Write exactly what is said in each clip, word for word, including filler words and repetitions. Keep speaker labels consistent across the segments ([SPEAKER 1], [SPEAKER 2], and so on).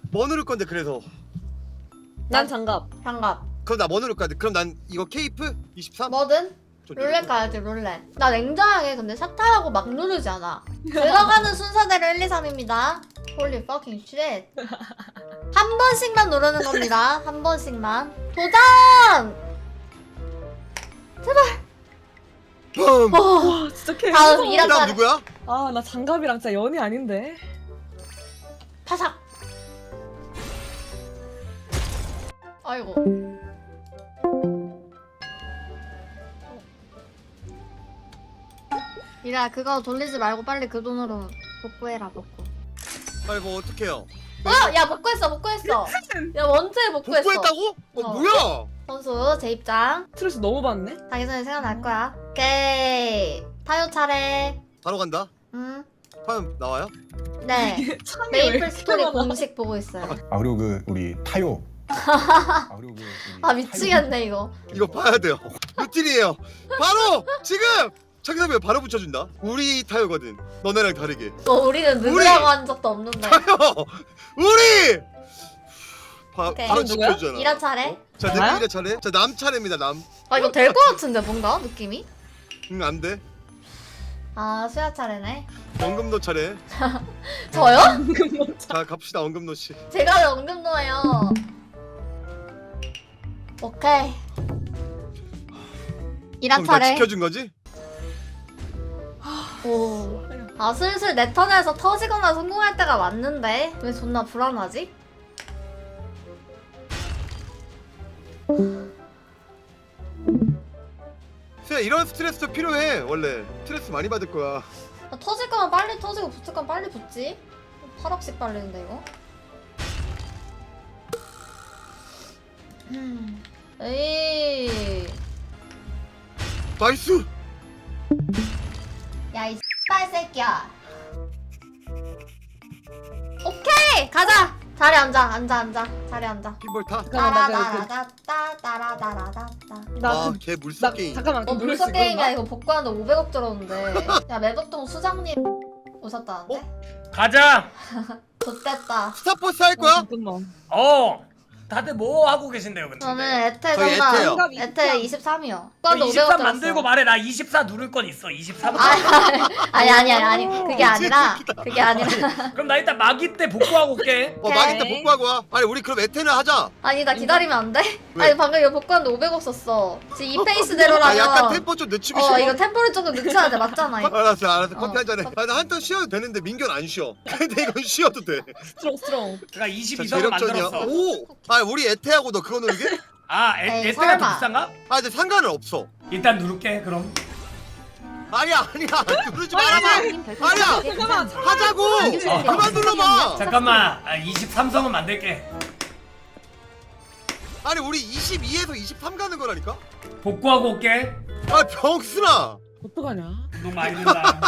[SPEAKER 1] 뭐 누를 건데 그래서?
[SPEAKER 2] 난 장갑.
[SPEAKER 3] 장갑.
[SPEAKER 1] 그럼 나 뭐 누를 거야? 그럼 난 이거 케이프 이십삼?
[SPEAKER 3] 뭐든
[SPEAKER 1] 좀
[SPEAKER 3] 룰렛 가야지 룰렛. 나 냉정하게 근데 샷타라고 막 누르지 않아. 들어가는 순서대로 일, 이, 삼입니다. Holy fucking shit. 한 번씩만 누르는 겁니다. 한 번씩만. 도전!
[SPEAKER 1] 붐!
[SPEAKER 3] 어,
[SPEAKER 2] 와 진짜 개.
[SPEAKER 3] 다음
[SPEAKER 2] 무서워.
[SPEAKER 3] 이란
[SPEAKER 1] 그다음
[SPEAKER 3] 차례.
[SPEAKER 1] 누구야?
[SPEAKER 2] 아나 장갑이랑 진짜 연이 아닌데.
[SPEAKER 3] 파삭. 아이고. 이라 그거 돌리지 말고 빨리 그 돈으로 복구해라 복구.
[SPEAKER 1] 아니 뭐 어떡해요?
[SPEAKER 3] 어? 야 복구했어 복구했어. 야 원투에 복구했어.
[SPEAKER 1] 복구했다고? 어,
[SPEAKER 3] 어.
[SPEAKER 1] 뭐야?
[SPEAKER 3] 선수 제 입장.
[SPEAKER 2] 스트레스 너무 받네.
[SPEAKER 3] 자기 전에 생각날 거야. 오케이. 타요 차례.
[SPEAKER 1] 바로 간다.
[SPEAKER 3] 음.
[SPEAKER 1] 과연 나와요?
[SPEAKER 3] 네.
[SPEAKER 2] 창이 왜
[SPEAKER 3] 메이플
[SPEAKER 2] 이렇게
[SPEAKER 3] 스토리
[SPEAKER 2] 많아?
[SPEAKER 3] 공식 보고 있어요.
[SPEAKER 4] 아 그리고 그 우리 타요. 아 그리고 그 우리
[SPEAKER 3] 아 미치겠네 이거.
[SPEAKER 1] 이거 봐야 돼요. 루틴이에요. 바로 지금 자기사면 바로 붙여준다. 우리 타요거든. 너네랑 다르게.
[SPEAKER 3] 어, 우리는 누구라고 한 적도 없는데.
[SPEAKER 1] 타요. 우리. 바,
[SPEAKER 3] 오케이.
[SPEAKER 1] 바로
[SPEAKER 2] 누구야?
[SPEAKER 1] 지켜주잖아.
[SPEAKER 3] 이란 차례.
[SPEAKER 1] 어? 자,
[SPEAKER 2] 나야?
[SPEAKER 1] 내가 이래 차례. 자, 남 차례입니다. 남.
[SPEAKER 3] 아 이거 될 것 같은데 뭔가 느낌이?
[SPEAKER 1] 응, 안 돼.
[SPEAKER 3] 아 수야 차례네.
[SPEAKER 1] 원금노 차례.
[SPEAKER 3] 저요?
[SPEAKER 1] 자, 갑시다. 원금노 씨.
[SPEAKER 3] 제가 왜 언급노예요? 오케이. 이란
[SPEAKER 1] 그럼 나
[SPEAKER 3] 차례.
[SPEAKER 1] 지켜준 거지?
[SPEAKER 3] 오. 아 슬슬 내 턴에서 터지거나 성공할 때가 왔는데 왜 존나 불안하지?
[SPEAKER 1] 수야, 이런 스트레스도 필요해. 원래 스트레스 많이 받을 거야.
[SPEAKER 3] 아, 터질 거면 빨리 터지고 붙을 거면 빨리 붙지. 팔억씩 빨리는데 이거. 음. 에이.
[SPEAKER 1] 나이스.
[SPEAKER 3] 야이 X발 새끼야. 오케이 가자. 자리 앉아 앉아 앉아 자리 앉아.
[SPEAKER 1] 핀볼 타.
[SPEAKER 2] 잠깐만 나 그.
[SPEAKER 3] 따라다라다따 따라다라다따.
[SPEAKER 2] 나
[SPEAKER 1] 아,
[SPEAKER 2] 그.
[SPEAKER 1] 걔
[SPEAKER 2] 나
[SPEAKER 1] 물속 게임.
[SPEAKER 2] 잠깐만.
[SPEAKER 3] 어
[SPEAKER 2] 그
[SPEAKER 3] 물속
[SPEAKER 2] 수
[SPEAKER 3] 게임이야
[SPEAKER 2] 있구나.
[SPEAKER 3] 이거 복구하는데 오백억 들었는데. 야 매덕동 수장님 오셨다는데?
[SPEAKER 5] 가자.
[SPEAKER 3] 좋됐다.
[SPEAKER 1] 스타포스 할
[SPEAKER 2] 어,
[SPEAKER 1] 거야?
[SPEAKER 2] 잠깐만.
[SPEAKER 5] 어. 다들 뭐 하고 계신데요, 근데?
[SPEAKER 3] 저는 에테
[SPEAKER 1] 저희
[SPEAKER 3] 정말
[SPEAKER 1] 에테요.
[SPEAKER 3] 에테 이십삼이요.
[SPEAKER 5] 그 이십삼 만들고 말해. 나 이십사 누를 건 있어. 이십삼.
[SPEAKER 3] 아니 아니 아니 아니 그게 아니라 그게 아니라
[SPEAKER 5] 그럼 나 일단 마기 때 복구하고 올게.
[SPEAKER 1] 어, 마기 때
[SPEAKER 2] 오케이.
[SPEAKER 1] 복구하고 와. 아니, 우리 그럼 에테는 하자.
[SPEAKER 3] 아니 나 기다리면 안 돼?
[SPEAKER 1] 왜?
[SPEAKER 3] 아니 방금 이거 복구하는데 오백억 썼어. 지금 이
[SPEAKER 1] 아,
[SPEAKER 3] 페이스대로라면
[SPEAKER 1] 약간 템포 좀 늦추기
[SPEAKER 3] 어
[SPEAKER 1] 싫어.
[SPEAKER 3] 이거 템포를 조금 늦춰야 돼 맞잖아 이거.
[SPEAKER 1] 알았어, 알았어. 커피
[SPEAKER 3] 어.
[SPEAKER 1] 한 잔해. 아, 나 한턴 쉬어도 되는데 민규는 안 쉬어. 근데 이건 쉬어도 돼.
[SPEAKER 2] 스트롱 스트롱.
[SPEAKER 5] 그니까
[SPEAKER 1] 자,
[SPEAKER 5] 이십이 선
[SPEAKER 1] 재력전이야.
[SPEAKER 5] 만들었어.
[SPEAKER 1] 오! 아, 우리 에테하고 너 그거 누르게?
[SPEAKER 5] 아, 에,
[SPEAKER 3] 에이,
[SPEAKER 5] 에테가 더
[SPEAKER 3] 설마.
[SPEAKER 5] 비싼가?
[SPEAKER 1] 아, 근데 상관은 없어.
[SPEAKER 5] 일단 누를게. 그럼.
[SPEAKER 1] 아니야, 아니야. 누르지 말아봐. 아니야.
[SPEAKER 2] 잠깐만.
[SPEAKER 1] 하자고.
[SPEAKER 5] 어.
[SPEAKER 1] 그만 눌러봐.
[SPEAKER 5] 잠깐만. 아, 이십삼 선은 만들게.
[SPEAKER 1] 아니, 우리 이십이에서 이십삼 가는 거라니까?
[SPEAKER 5] 복구하고 올게.
[SPEAKER 1] 아, 병순아.
[SPEAKER 2] 어떡하냐?
[SPEAKER 5] 운동 많이 된다.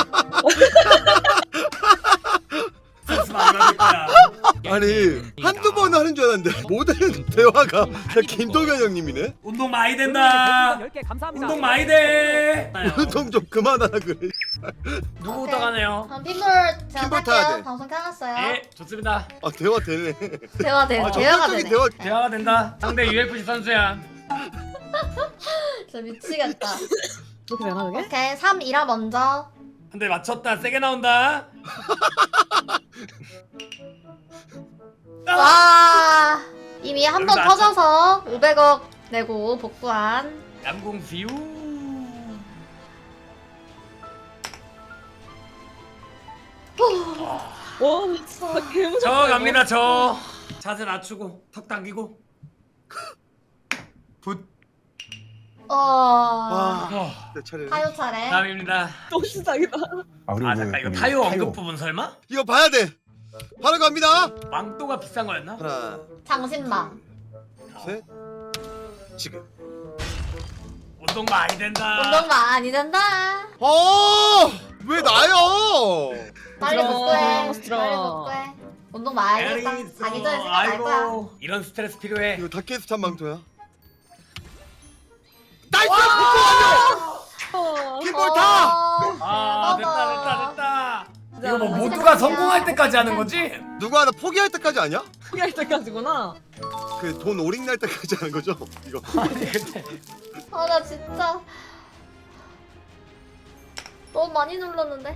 [SPEAKER 5] 스트레스 많이 받을 거야.
[SPEAKER 1] 아니, 한두 번 하는 줄 알았는데 모든 대화가 그냥 김동현 형님이네?
[SPEAKER 5] 운동 많이 된다. 운동 많이 돼.
[SPEAKER 1] 운동 좀 그만하라 그래.
[SPEAKER 5] 누구부터 가네요?
[SPEAKER 3] 그럼 핀볼 제가
[SPEAKER 1] 핀볼 타야
[SPEAKER 3] 탈게요.
[SPEAKER 1] 돼.
[SPEAKER 3] 방송 켜놨어요.
[SPEAKER 5] 예, 좋습니다.
[SPEAKER 1] 아, 대화 되네.
[SPEAKER 3] 대화 돼.
[SPEAKER 1] 아,
[SPEAKER 3] 대화가
[SPEAKER 1] 적극적인
[SPEAKER 3] 되네.
[SPEAKER 1] 대화.
[SPEAKER 5] 대화가 된다. 상대 유에프씨 선수야.
[SPEAKER 3] 진짜 미치겠다.
[SPEAKER 2] 이렇게 되나 그게?
[SPEAKER 3] 오케이 삼 이라 먼저.
[SPEAKER 5] 한 대 맞췄다. 세게 나온다.
[SPEAKER 3] 와 이미 한 번
[SPEAKER 5] 여기서
[SPEAKER 3] 터져서 오백억 내고 복구한.
[SPEAKER 5] 양궁 비우.
[SPEAKER 2] 와 진짜 개 무섭다.
[SPEAKER 5] 저
[SPEAKER 2] 이거.
[SPEAKER 5] 갑니다. 저 자세 낮추고 턱 당기고. 붓.
[SPEAKER 3] 어.
[SPEAKER 1] 와,
[SPEAKER 5] 어,
[SPEAKER 1] 내 차례.
[SPEAKER 3] 타요 차례.
[SPEAKER 5] 다음입니다.
[SPEAKER 2] 또 시작이다.
[SPEAKER 4] 아 그리고
[SPEAKER 5] 아
[SPEAKER 4] 그
[SPEAKER 5] 잠깐 이거
[SPEAKER 4] 우리
[SPEAKER 5] 타요 언급 부분 설마?
[SPEAKER 1] 이거 봐야 돼. 바로 갑니다.
[SPEAKER 5] 망토가 비싼 거였나?
[SPEAKER 1] 하나,
[SPEAKER 3] 장신망.
[SPEAKER 1] 셋. 지금.
[SPEAKER 5] 운동 많이 된다.
[SPEAKER 3] 운동 많이 된다.
[SPEAKER 1] 어! 왜 나요?
[SPEAKER 3] 빨리
[SPEAKER 2] 스트롱,
[SPEAKER 3] 복구해.
[SPEAKER 2] 스트롱.
[SPEAKER 3] 빨리 복구해. 운동 많이 했다.
[SPEAKER 5] 에리스.
[SPEAKER 3] 자기 전에 생각날 거야.
[SPEAKER 5] 아이고 이런 스트레스 필요해.
[SPEAKER 1] 이거 다케스탄 망토야. 나이스! 복구하려!
[SPEAKER 2] 어.
[SPEAKER 1] 핀볼 타!
[SPEAKER 5] 아
[SPEAKER 3] 대박아.
[SPEAKER 5] 됐다 됐다 됐다. 이거 뭐
[SPEAKER 2] 맞아.
[SPEAKER 5] 모두가 성공할 때까지 하는 거지?
[SPEAKER 1] 누구 하나 포기할 때까지 아니야?
[SPEAKER 2] 포기할 때까지구나.
[SPEAKER 1] 그 돈 오링 날 때까지 하는 거죠? 이거.
[SPEAKER 5] 아니 근데
[SPEAKER 3] 아 나 진짜 너무 많이 눌렀는데.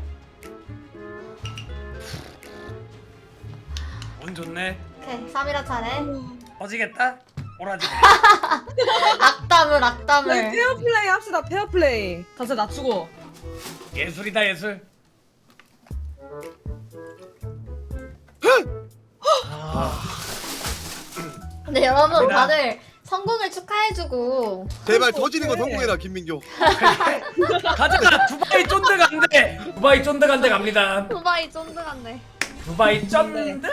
[SPEAKER 5] 운 좋네.
[SPEAKER 3] 오케이 삼 일화 차례.
[SPEAKER 5] 어지겠다. 오라지.
[SPEAKER 3] 악담을
[SPEAKER 2] 저희
[SPEAKER 3] 악담을.
[SPEAKER 2] 페어플레이 합시다. 페어플레이. 자세 낮추고.
[SPEAKER 5] 예술이다 예술.
[SPEAKER 3] 근데 여러분
[SPEAKER 5] 갑니다.
[SPEAKER 3] 다들 성공을 축하해주고.
[SPEAKER 1] 제발 터지는 거 성공해라 김민교.
[SPEAKER 5] 가자. 두바이 쫀드 간대. 두바이 쫀드 간대 갑니다.
[SPEAKER 3] 두바이 쫀득한데.
[SPEAKER 5] 두바이 쫀드?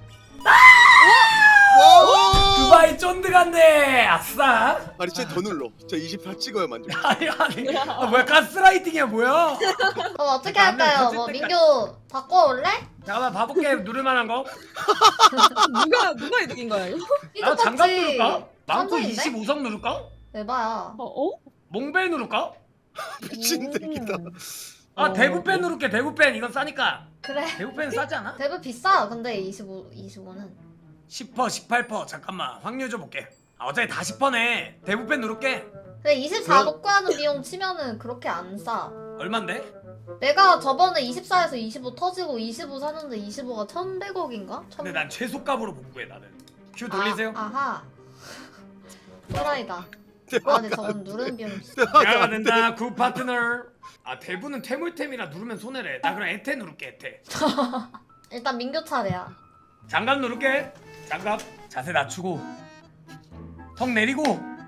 [SPEAKER 1] 와!
[SPEAKER 5] 두바이 쫀드 간대. 아싸.
[SPEAKER 1] 아니 진짜 더 눌러. 진짜 이십사 찍어야 만족.
[SPEAKER 5] 아니 아니. 아, 뭐야 가스라이팅이야 뭐야?
[SPEAKER 3] 그럼 어떻게
[SPEAKER 5] 남들
[SPEAKER 3] 할까요?
[SPEAKER 5] 터질
[SPEAKER 3] 뭐
[SPEAKER 5] 때까지.
[SPEAKER 3] 민규 바꿔올래?
[SPEAKER 5] 잠깐만 봐볼게. 누를 만한 거.
[SPEAKER 2] 누가 누가 이득인 거야 이거?
[SPEAKER 5] 나 장갑 누를까? 망토
[SPEAKER 3] 삼성인데?
[SPEAKER 5] 이십오 성 누를까?
[SPEAKER 3] 에바야.
[SPEAKER 2] 어? 어?
[SPEAKER 5] 몽벨 누를까?
[SPEAKER 1] 미친 새끼다.
[SPEAKER 5] 아
[SPEAKER 2] 어.
[SPEAKER 5] 대부펜 누를게. 대부펜 이건 싸니까.
[SPEAKER 3] 그래.
[SPEAKER 5] 대부펜 싸지 않아?
[SPEAKER 3] 대부 비싸. 근데 이십오, 이십오는.
[SPEAKER 5] 십 퍼센트 십팔 퍼센트 잠깐만 확률 줘볼게. 아 어차피 다 십 퍼센트네. 대부펜 누를게.
[SPEAKER 3] 근데 이십사 복구하는 비용 치면은 그렇게 안 싸.
[SPEAKER 5] 얼만데?
[SPEAKER 3] 내가 저번에 이십사에서 이십오 터지고 이십오 샀는데 이십오가 천백억인가?
[SPEAKER 5] 근데 난 최소값으로 복구해 나는. 큐 돌리세요.
[SPEAKER 3] 아, 아하. 또라이다. 아 근데 저건 누르는 비용
[SPEAKER 5] 내가 된다 굿 파트너. 아 대부는 퇴물템이라 누르면 손해래. 나 그럼 에테 누를게. 에테.
[SPEAKER 3] 일단 민규 차례야.
[SPEAKER 5] 장갑 누를게. 장갑 자세 낮추고 턱 내리고.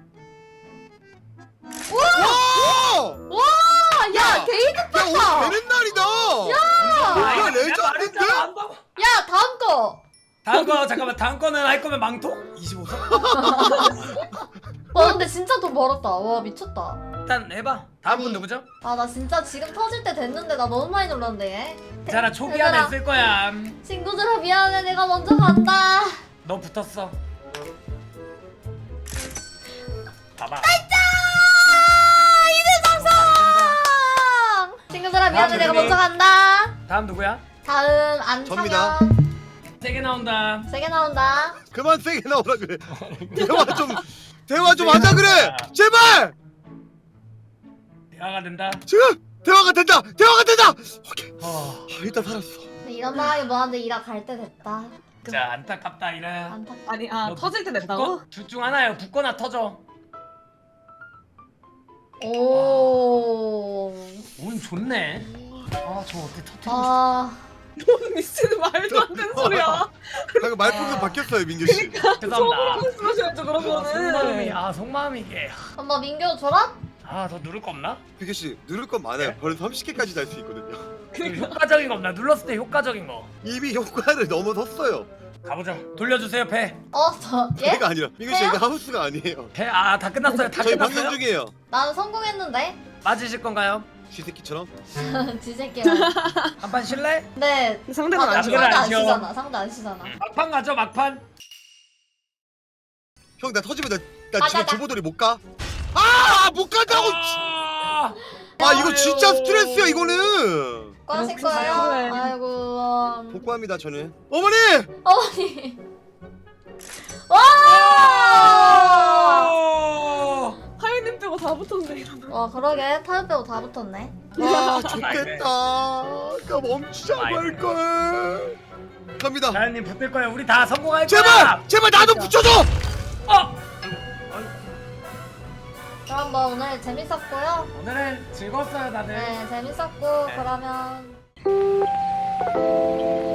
[SPEAKER 1] 와!
[SPEAKER 3] 아, 야,
[SPEAKER 1] 야!
[SPEAKER 3] 게이드
[SPEAKER 1] 야
[SPEAKER 3] 파파!
[SPEAKER 1] 오늘 되는 날이다.
[SPEAKER 5] 아,
[SPEAKER 1] 이거
[SPEAKER 5] 이거 내가
[SPEAKER 1] 레전드인데?
[SPEAKER 5] 말했잖아, 한다고.
[SPEAKER 3] 야, 다음 거!
[SPEAKER 5] 다음 거 잠깐만. 다음 거는 할 거면 망토? 이십오 성?
[SPEAKER 3] 와, 근데 진짜 돈 벌었다. 와, 미쳤다.
[SPEAKER 5] 일단 해봐. 다음 분
[SPEAKER 3] 아니.
[SPEAKER 5] 누구죠?
[SPEAKER 3] 아, 나 진짜 지금 터질 때 됐는데 나 너무 많이 놀랐네.
[SPEAKER 5] 자라 초기 안에
[SPEAKER 3] 얘들아.
[SPEAKER 5] 쓸 거야.
[SPEAKER 3] 친구들아, 미안해. 내가 먼저 간다.
[SPEAKER 5] 너 붙었어. 봐봐.
[SPEAKER 3] 친구들아, 미안해.
[SPEAKER 5] 다음
[SPEAKER 3] 내가
[SPEAKER 5] 누구니?
[SPEAKER 3] 먼저 간다.
[SPEAKER 5] 다음 누구야?
[SPEAKER 3] 다음, 안창현.
[SPEAKER 1] 접니다.
[SPEAKER 5] 세 개 나온다.
[SPEAKER 3] 세개 나온다.
[SPEAKER 1] 그만 세게 나오라 그래. 대화 좀 대화 좀 하자 그래. 제발.
[SPEAKER 5] 대화가 된다.
[SPEAKER 1] 지금 대화가 된다. 대화가 된다. 오케이.
[SPEAKER 5] 어.
[SPEAKER 1] 아, 일단 살았어.
[SPEAKER 3] 근데 이런 말하기 뭐한데 이라 갈 때 됐다.
[SPEAKER 5] 자 안타깝다 이래.
[SPEAKER 3] 안타.
[SPEAKER 2] 아니 아
[SPEAKER 5] 너
[SPEAKER 2] 터질 때 됐다고?
[SPEAKER 5] 둘중 하나요. 붙거나 터져.
[SPEAKER 3] 오.
[SPEAKER 5] 운 좋네. 아 저 어떻게 터뜨리고 싶어.
[SPEAKER 3] 아.
[SPEAKER 2] 넌 미친 말도 안 되는 소리야.
[SPEAKER 1] 방금 말풍선 바뀌었어요 민규 씨.
[SPEAKER 5] 죄송합니다.
[SPEAKER 2] 말씀하셔야죠 그런
[SPEAKER 5] 아, 속마음이
[SPEAKER 2] 거는.
[SPEAKER 5] 아 속마음이 이게.
[SPEAKER 3] 엄마 민규 졸업?
[SPEAKER 5] 아 더 누를 거 없나?
[SPEAKER 1] 민규 씨 누를 건 많아요. 벌써 삼십 개까지 달 수 있거든요.
[SPEAKER 5] 그 효과적인 거 없나? 눌렀을 때 효과적인 거.
[SPEAKER 1] 이미 효과를 넘어섰어요.
[SPEAKER 5] 가보자. 돌려주세요 배.
[SPEAKER 3] 어, 저 예?
[SPEAKER 1] 배가 아니라 민규 씨
[SPEAKER 3] 해요?
[SPEAKER 1] 이게 하우스가 아니에요.
[SPEAKER 5] 배 아 다 끝났어요. 다
[SPEAKER 1] 저희
[SPEAKER 5] 끝났어요.
[SPEAKER 1] 방송 중이에요.
[SPEAKER 3] 나는 성공했는데.
[SPEAKER 5] 맞으실 건가요?
[SPEAKER 1] 쥐새끼처럼.
[SPEAKER 3] 지새끼야.
[SPEAKER 5] 한 판 실래?
[SPEAKER 3] 근데
[SPEAKER 2] 상대가
[SPEAKER 3] 아,
[SPEAKER 2] 안
[SPEAKER 3] 상대
[SPEAKER 5] 남들은
[SPEAKER 3] 안
[SPEAKER 5] 안 쉬어.
[SPEAKER 3] 쉬잖아. 상대 안 쉬잖아.
[SPEAKER 5] 막판 가죠 막판.
[SPEAKER 1] 형 나 터지면 나, 나
[SPEAKER 3] 아,
[SPEAKER 1] 집에
[SPEAKER 3] 나, 나.
[SPEAKER 1] 조보돌이 못 가. 아 못 간다고.
[SPEAKER 5] 아,
[SPEAKER 1] 아 이거 진짜
[SPEAKER 5] 아유.
[SPEAKER 1] 스트레스야 이거는.
[SPEAKER 3] 과식
[SPEAKER 2] 그래,
[SPEAKER 3] 거예요?
[SPEAKER 2] 그래.
[SPEAKER 3] 아이고. 음.
[SPEAKER 1] 복구합니다 저는. 어머니.
[SPEAKER 3] 어머니. 와!
[SPEAKER 5] 아.
[SPEAKER 2] 하윤님 빼고 다 붙었네 이러면.
[SPEAKER 3] 와, 그러게. 타협 빼고 다 붙었네.
[SPEAKER 1] 아 좋겠다. 아까 멈추자고
[SPEAKER 5] 아이고.
[SPEAKER 1] 할 걸. 갑니다.
[SPEAKER 5] 자연님 붙을 거야. 우리 다 성공할 거야.
[SPEAKER 1] 제발 제발 나도 붙여줘.
[SPEAKER 5] 어.
[SPEAKER 3] 그럼 뭐 오늘 재밌었고요.
[SPEAKER 5] 오늘은 즐거웠어요 다들.
[SPEAKER 3] 네, 재밌었고
[SPEAKER 5] 네.
[SPEAKER 3] 그러면